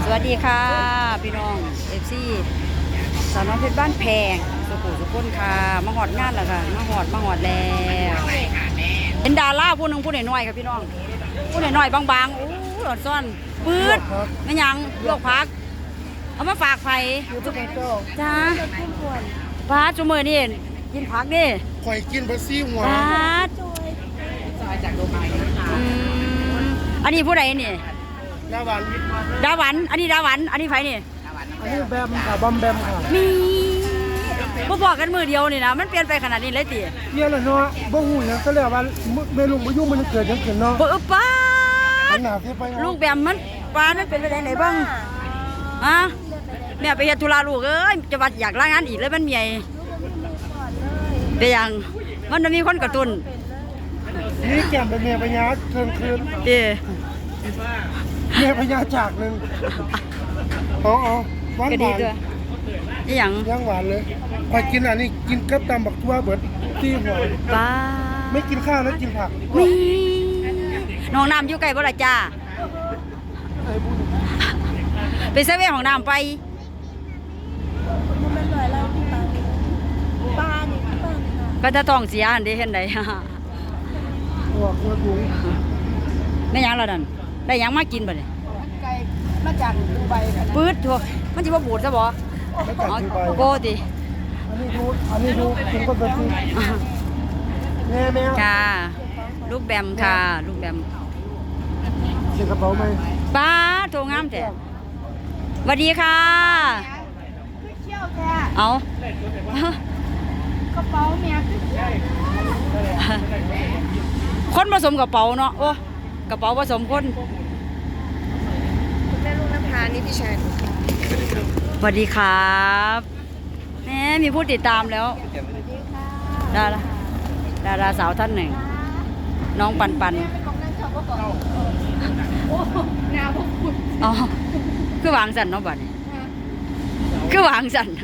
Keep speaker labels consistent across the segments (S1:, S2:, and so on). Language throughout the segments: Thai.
S1: วัสดีค่ะพี่น้องFC สาวน้อยเพชรบ้านแพงสุขุสุขุนค่ะมาหอดงานแล้วค่ะมาหอดแล้วเป็นดาราผู้หนึงผู้น้อยๆค่ะพี่น้องผู้น้อยๆบางๆโอ้หลอดซ่อนปื๊ดไม่ยังลวกผักเอามาฝากไผ่จ้าปลาจุ่มมือนี่กินผักดิ
S2: ข่อยกินบะซี่หัว
S1: ปลาอันนี้ผู้ใดนี่
S2: ดาวัน
S1: ดาหวันอันนี้ดาหวันอันนี้ไผ่นี่
S2: อันนี้แบมค่ะบอมแบมค่ะ
S1: มีบ่บอกกันมือเดียวนี่นะมันเปลี่ยนไปขนาดนี้เลยติ
S2: เนี่ยแหละเนาะบ่ฮู้หยังก็แล้วว่าแม่ลุงบ่อยู่มันเกิดหยังขึ้นเนาะ
S1: บ่ป้า
S2: อันหน้าที่ไป
S1: ลูกแบบมันป้ามันเป็นไปได้ไหนบ้างฮะแม่ไปเฮ็ดธุระลูกเอ้ยจะว่าอยากลางานอีกเลยมันเมียเป็นหยังมันมีคนกระตุ้น
S2: นี่แก้มเป็นแม่พญาเทิงคืน
S1: ติ
S2: แม่พญาจากนึงอ๋อหวาน
S1: ก็
S2: ห
S1: ดี
S2: วาน
S1: ด้วยอีหยัง
S2: ย่างหวานเลยข่อยกินอันนี้กินกับตำบักทั่วเบิดซี่หัว
S1: ป้า
S2: ไม่กินข้าวแล้วกินผัก
S1: มีน้องน้ำอยู่ใกล้บ่ล่ะจ้า
S2: ไอ้บุญ
S1: ไปเซเว่นของน้ำไป ก็จะต้องเสียอันเดีเห็นได้
S2: หัวถุง
S1: ไม่ยังแล้วนั่นได้ยังมากินบ่เนี่ย
S3: ไก่มาจากดูไบกันนะ
S1: ปื๊ดทั่วมันจะมาบูดซะบ่
S2: ไม่กัด
S1: เอา
S2: กินไป
S1: โกติ
S2: อันนี้ดูกินก็แบบนี้แม่
S1: ค่ะลูกแบมค่ะลูกแบม
S2: เสียกระเป๋าไหม
S1: ป้าโทรงามแต่สวัสดีค่ะ
S3: คือเชี่ยวแท้
S1: เอา
S3: กระเป๋าเมียคือเชี่ยว
S1: คนผสมกระเป๋าเนาะโอ้กระเป๋าผสมคน
S3: คุณแม่ลูกน้ำพานี่พี่ชาย
S1: สวัสดีครับแหมมีผู้ติดตามแล้วดาราสาวท่านหนึ่ง น้องปันปัน
S3: เป็นของนั่งชอบก็ก่อนโอ้หนาวพวกคุณ
S1: อ๋อคือวางสันเนาะบัดนี้คือวางสัน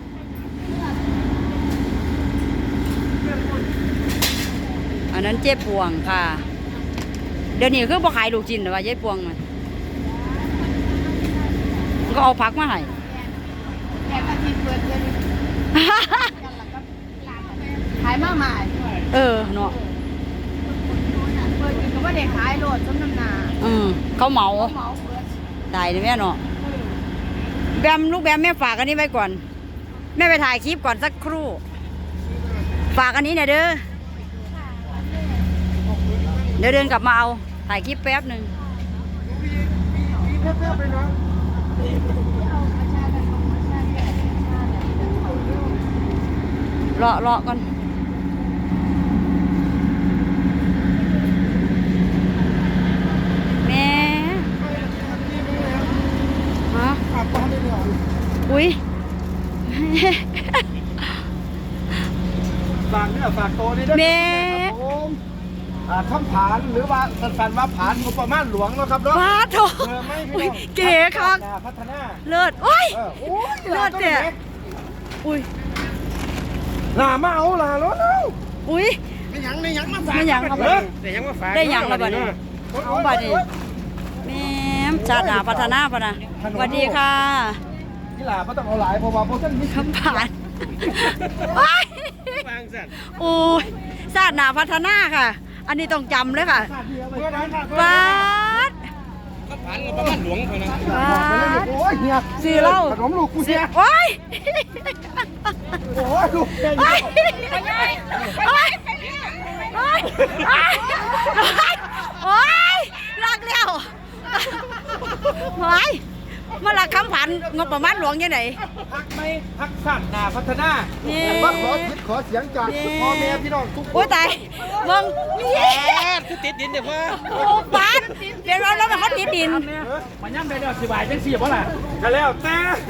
S1: อันนั้นเจ๊พวงค่ะ เดี๋ยวนี้คือบ่ขายลูกชิ้นหรอว่าเจ๊พวงมันก็เอาผักมาให้
S3: แอบอาทิตย์เปิดเลยขายมากมาย
S1: เออเนาะ
S3: เปิดกินก็ว่าเด็กขายโหลดส้มน้ำนา
S1: เขาเหมา
S3: เหมาเปิด
S1: ตายเลยแม่เนาะแบมลูกแบมแม่ฝากอันนี้ไว้ก่อน แม่ไปถ่ายคลิปก่อนสักครู่ ฝากอันนี้หน่อยเด้อเดี๋ยวเดินกลับมาเอาถ่ายคลิปแป๊บหนึ่ง
S2: เพื่อนๆไปเนาะ
S1: รอก่อนแม่ฮะ
S2: อาบน้ำได้เลย
S1: อุ้ย
S2: ฝากเนี่ยฝากโตนี่ด้วย
S1: แม่
S2: คำผานหรือว่าสั้นๆว่าผานงบประมาณหลวงเนาะครับเนาะ
S1: ว้าโถอุ้ยเก๋คัก
S2: พัฒนา
S1: เลิศโอ้ย
S2: โอ้ย
S1: เลิศเนี่ยอุ้ย
S2: ลามาเอาลาแล้วเนาะ
S1: อุ้ย
S2: ไม่ยังมาฝาก
S1: ไม่ยังครับ
S2: ไม่ยังมาฝาก
S1: ได้ยังแล้วบัดนี้เอาบัดนี้แม่ชาติหนาพัฒนาปะนะสวัสดีค่ะ
S2: นี่ล่ะไม่ต้องเอาหลายเพราะว่าพวกท่านมี
S1: คำผ่านโอ้ย
S2: วางสัตว์
S1: โอ้ยชาติหนาพัฒนาค่ะ อันนี้ต้องจำเลยค่ะ
S2: เพื่อนนั้นค่ะ
S1: บาด
S2: ก็ผ่านงบประมาณหลวงเท่านั้น
S1: บาด
S2: โอ้ยเฮีย
S1: ซื้อเหล้า
S2: ขนมลูกกู
S1: ซื้
S2: เสี
S1: อย โอ้ย
S2: โอ้ยลูกแก
S1: โอ้ยโอ้ยโอ้ยโอ้ยรักแล้วโอ้ยมาลักคำผันงบประมาณหลวงยังไง
S2: พักไม่พักสั้นนาพัฒนา
S1: นี่
S2: ว่าขอคิดขอเสียงจากพ่อแม่พี่น้องทุกค
S1: โอ้ย
S2: น
S1: ตายเบิ่งนี่
S2: คือติดดินเดี๋ยวว่า
S1: โอ้ปานเดี๋ยวเราเป็นคนติดดิน
S4: มันย่ำได้เดี๋ยวสิบายจังสี่เพราะล่ะ
S2: ก็แล้วแต่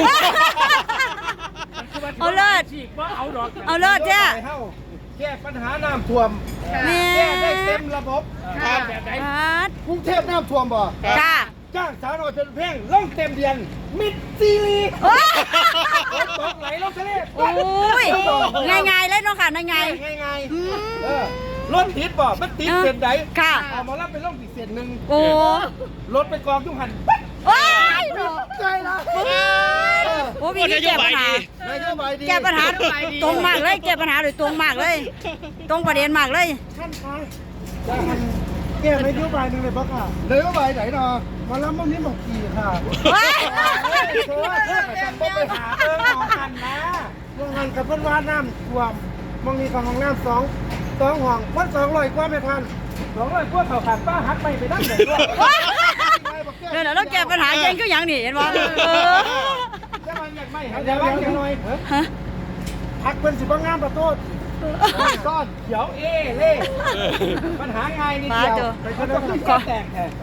S1: เอาเลิศ
S4: สี่ว่าเอาดอก
S1: เอาเลิศเจ้า
S2: แก้ปัญหาน้ำท่วม
S1: แม่
S2: แก้ได้เต็มระบบ
S4: แบบไหน
S1: ปาด
S2: กรุงเทพน้ำท่วมบ่
S1: จ้า
S2: จ้างสาวน้อยเป็นเพ่งล่องเต็มเดือนมิดซีรีส์
S1: โอ้ย
S2: ตกไหลลงทะเล
S1: โอ้ยง่ายๆเลยเนาะค่ะง่าย
S2: ง่าย
S1: ๆอืม
S2: รถติดบ่มันติดเส้นใด
S1: ค่ะ
S2: เอามารับเป็นล่องอีกเส้นหนึ่ง
S1: โอ้
S2: รถไปกองจุ่มหัน
S1: โอ้ย
S2: ใจละ
S1: โอ้วิธีแก้ปัญหา
S2: นโยบายดี
S1: แก้ปัญหาตรงมากเลยแก้ปัญหาโดยตรงมากเลย ตรงประเด็นมากเลย
S2: ท่านคะแก้นโยบายหนึ่งเลยปะค่ะนโยบายไหนเนาะมาแล้วมันนี่บอกกี่ค่ะ
S1: ว้าย
S2: เธอไปหาเรื่องของกันนะเรื่องกันกับเพื่อนว่าน้ำท่วมมองมีของห้องน้ำสองห้องพัน200กว่าไม่ทัน200กว่าเขาขาดป้าหักไปนั่งไหนด้วย
S1: เดี๋ยวเราแก้ปัญหาเย็นก็ยังนี่เห็นบ่
S2: จะมาอยากไม่เดี๋ยวหน่อย
S1: ฮะ
S2: พักเป็นสิบงามประตูก้อนเขียวเล่ปัญหาไงนี่เดียวไปคนละขึ้นก้อนแตกแทน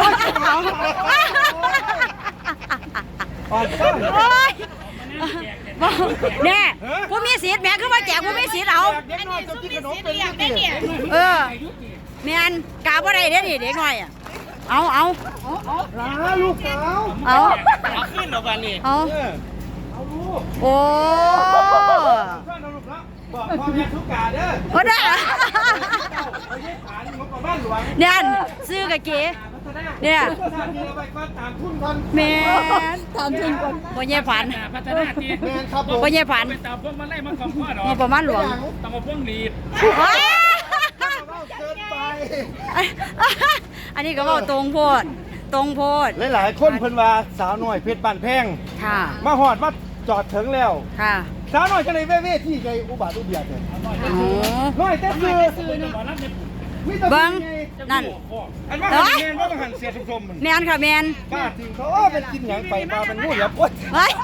S2: อ่อนก้อน
S1: โอ๊ยแน่ผู้มีสิทธิ์แม่คือว่าแจกผู้มีสิทธิ์เอา
S2: เด็กน้อยจะกินขนมเป็นยังไง
S1: เออแม่นกาบ่ได้เด้อนี่เด็กน้อยอ่ะเอา
S2: ลาลูกสาว
S1: เอา
S4: ขึ้นเอากันนี่
S1: เอา
S2: เอาลูก
S1: โอ้
S2: ข้าเอาลูกแล้วบอกพ่อแม่ทุกกาเด้อ
S1: โอ้ได้อะ
S2: เอาเย็บฐานงบประมาณหลวง
S1: เนี่ยซื้อกับเก๋เนี่ย
S2: ถ้ามีอะไรก็ตามทุนกัน
S1: แม่นตามทุนก่อนบ่แย่ผัน
S4: พัฒนาที
S2: แมนครับผม
S1: บ่แย่ผัน
S4: ไปตามพวกมันไล่มันของพ่อหรอ
S1: มีประมาณหลวง
S4: ตามมาพวกลีด
S1: ว้าย
S2: เกินไป
S1: อันนี้ก็เว้าตรงโพดตรงโพด
S2: หลายๆคนเพิ่นว่าสาวน้อยเพชรบ้านแพง
S1: ค่ะ
S2: มาหอดมาจอดถึงแล้ว
S1: ค่ะ
S2: สาวน้อยจะเลยเว่ที่ไงอุบาทอุเบียดเนี่ย
S1: โอ้
S2: น้อยแต่คือ
S4: ตอนนั้นเนี่ย
S1: เบิ้งนั่น
S2: อันว่าหันเงินว่าหันเสียชมๆมัน
S1: แม่นค่ะแม่น
S2: บ้าจริงเขาเป็นกินหยังไปมาเป็นงูเหลือมโอ๊ย
S1: เฮ้ย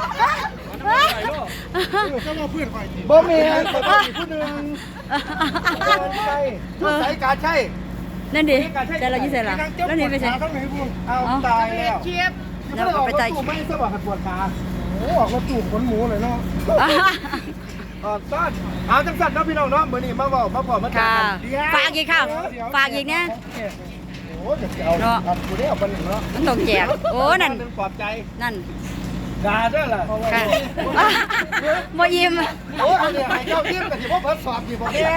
S2: ก็มาเพื่อนไปบ่แม่นเขาเป็นผู้หนึงใช่ชุดสายการใช่
S1: นั่นดิแต่เรายี่เสร็จละแล้วนี่ไปเสร็จ
S2: ทั้งไหนพวงเอาตายแล้ว
S1: แล้วก็ไปใจ
S2: ไม่สบักปวดขาโอ้ออกมาจูบขนหมูเลยเนาะซ่อนเอาจังสันเนาะพี่น้องเนาะมื้อนี้มาเว้ามาพอมา
S1: ค่ะ
S2: เดี๋ยว
S1: ฝากอีกค่ะฝากอีกเนี่ย
S2: โอ้จะเอาเนาะกูได้เอาไปหนึ่งเนาะ
S1: มันต้องแจกโอ้นั่น
S2: เป็นปลอบใจ
S1: นั่น
S2: ด่าด้วยล่ะ
S1: ค่ะบ่ยิ้ม
S2: โอ้อันนี้ให้เจ้ายิ้มกับที่พ่อเพิ่นสอบอยู่บ่แม่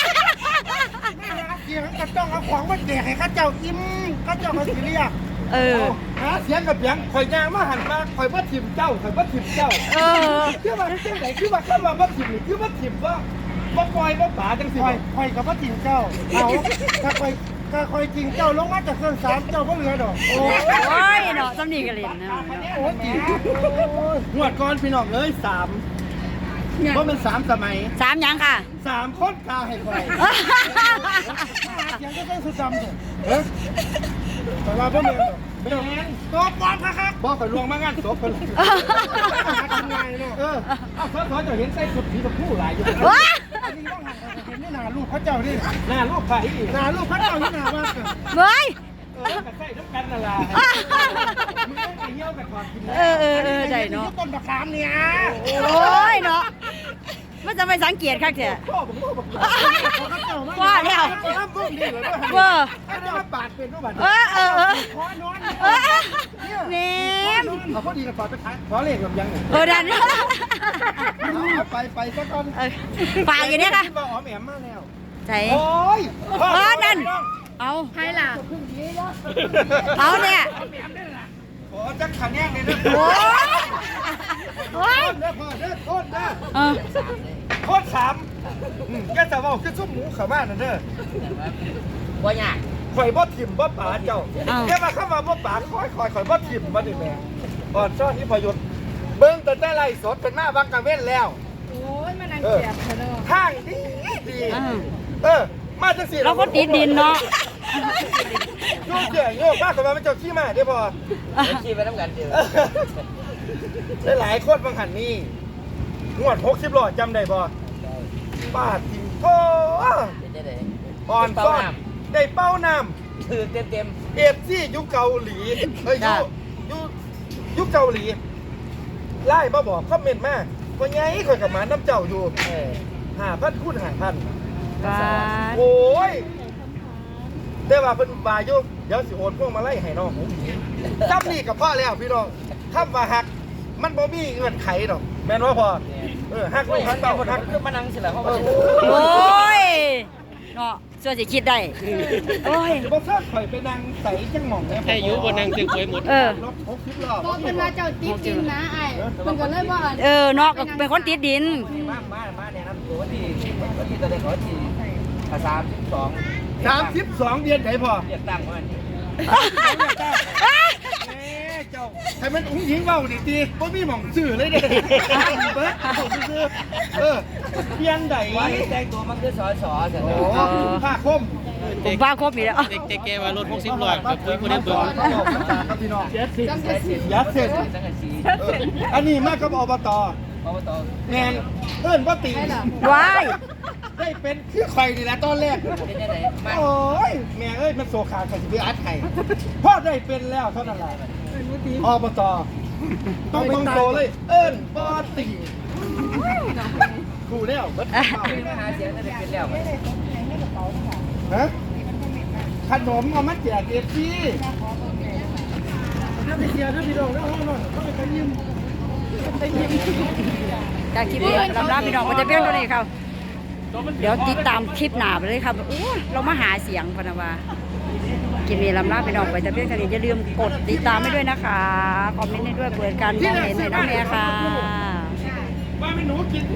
S2: เสียงกระจ้องเอาของมาแจกให้ข้าเจ้ายิ้มข้าเจ้ามาสิเรียก
S1: เออ
S2: หาเสียงกับเสียงข่อยย่างมาหันมาข่อยบ่ถิ่มเจ้าข่อยบ่ถิ่มเจ้า
S1: เออ
S2: คือว่าจังได๋คือว่าคำว่าบ่ถิ่มนี่คือบ่ถิ่มว่าบ่ปล่อยบ่ป๋าจังซี่ข่อยก็บ่ถิ่มเจ้าเอาถ้าข่อยจริงเจ้าลงมาจากเครื่องสามเจ้าบ่เหลือดอกโอ้
S1: โอ้ยเนาะสำนีกันเล่นนะ
S2: โหจริงงวดก่อนพี่น้องเอ้ย3บ่แม่น3สมัย
S1: สามหยังค่ะ
S2: 3คนกาให้ข่อยเสียงก็ต้องสุดดำเนี่ยเฮ้ยแต่ว่าบ่แม่นดอกไม่ต้องตบปอมครับบ่ข่อยลวงมางานศพเพิ่นทำงานเนาะเอาเขาจะเห็นใส่สุดสีชมพูหลายอยู่
S1: ว้า
S2: อันนี้ต้องหันเห็นนี่หน้าลูกพระเจ้านี่หน้าลูกไผ่หน้าลูกพระเจ้านี่หน้าว่า
S1: เฮ้ย
S2: กับใส่ทุกกันนั่นล่ะมึงไปเยี่ยวกับถอดกิน
S1: เออได้เนาะ
S2: ต้นมะขามเนี่ย
S1: โอ้ยเนาะมันจะไปสังเกตคักแท้
S2: พ่อผมบอก
S1: ว่าแล้ว
S2: น้ำพุ่งดีเลย
S1: เวอร์
S2: ไอ้เจ้าบาดเป็นรูปบาด
S1: เออ
S2: ขอนอน
S1: เนม
S2: เอาพอดีกับปอดไปท้ายขอเลขกับยังไง
S1: ดัน
S2: ไปสักคน
S1: ฝากอยู่เนี่ยค่ะ
S2: บอกอ๋อแหมมาแล้ว
S1: ใส่
S2: โอ้ย
S1: นั่นเอา
S3: ใครล่ะ
S1: เอาเนี่ย
S2: โอ้จังขันแย่งเลยนะ
S1: โอ้ยโอ้ย
S2: เด้อพ่อเด้อโทษเด้อ
S1: เออ
S2: โคตรสามแกจะบอกคือซุปหมูขามานั่นเด้อ
S4: ว่ายาก
S2: ข่อยบ่ถิ่มบ่ป๋าเจ้าแค่มาเข้ามาบ่ป๋าข่อยบ่ถิ่มบ่ได้แม่อ่อนซ่อนที่พยุทธ์เบิ่งแต่ไล่สดเป็นมาบังกะเว้นแล้ว
S3: โอ้ยมานั่งเสียบเธอเนาะ
S2: ข้างดีมาจังสิ
S1: เราก็ติดดินเนาะ
S2: โยกเจ๋งโยกมากกว่ามันเจ้าขี้มาได้พอ
S4: ขี่ไปน้ำกันเดียว
S2: หลายคนบางหันนี่งวด60ล้อจำได้บ่ป้าถิ่มโอ้อ่อนซ่อนได้เป้าน้ำ
S4: คือเต็ม
S2: เอฟซียุคเกาหลีเฮ้ยยุคเกาหลีไล่มาบอกคอมเมนต์มาว่าไงข่อยกับหมาน้ำเจ้าอยู่5,000คูณ5,000
S1: บาด
S2: โอ้ยแต่ว่าเพิ่นบาอยู่เดี๋ยวสิโอนพวกมาไล่ให้น้องผมจำนี่กับพ่อแล้วพี่น้องคำว่าหักมันบ่มีเงื่อนไขดอกแม่นว่าพอหักลูกหักเต้าหัก
S4: คือมานั่งสิแหละเขา
S1: โอ้ยเนาะส่วนสิคิดได้โอ้ย
S2: จะบอกถ้าข่อยไปนั่งใส่จังหม่องเนี่ย
S5: แค่อยู่บนนางเตียงเคยหมด
S1: เออ
S2: รถ60ล้อ
S3: ก็เป็นว่าเจ้าติดดินนะไอ้มันก็เลยว่า
S1: เออเนาะก็เป็นคนติดดิน
S4: มาเนี่ยนะตัวที่ตอนแรกเขาที่32
S2: 32เดือนไหนพอ
S4: เรียกตั้งว่านี่
S2: เจ้าให้มันอุ้งยิงเบาดิตีบ่มีหม่องซื้อเลยเด้เบิดเอาซื้อเปลี่ยนใด
S4: ว่าแต่งตัวมันคือสอเสร็จ
S2: โอ้
S4: แล้ว
S2: ผ้าคม
S1: ผมว่าครบอีกแล้ว
S5: เด็กแกว่ารถ60ล้อกับปุ้ยคนนี้เบิ่ง
S2: ครับพี่น้อง
S4: จังสี
S2: ยัดเสร็จ
S4: จังสี
S2: อันนี้มากับอบต
S4: อบต
S2: แมนเอิ้นว่าติ
S1: ว้าย
S2: ได้เป็นคือข่อยนี่แหละตอนแรก
S4: เป็นยังไงมา
S2: โอ้ยแม่เอ้ยมันโซขาใครจะไปอัดไข่พ่อได้เป็นแล้วเท่านั้นแหละอบตต้องโตเลย เอิ้นบ่ติกูแล้วเบิดเปล่า
S4: มาหาเสียงได้เป็นแล้ว
S2: ฮะขนมเอามาแจกเอฟซีถ้าไปเชียร์ถ้าพี่น้องแล้วห้องนอนเขาไปยิ้ม
S1: จากคลิปนี้ลำลาพี่น้องก็จะเพียงเท่านี้ครับเดี๋ยวติดตามคลิปหน้าไปเลยครับโอ้เรามาหาเสียงพนาวาคลิปนี้ลำลาพี่น้องไปจะเพียงเท่านี้อย่าลืมกดติดตามให้ด้วยนะคะคอมเมนต์ให้ด้วยเปิดการมองเห็นให้น้องแม่ค่ะ
S2: ว่าไม่หนูกิน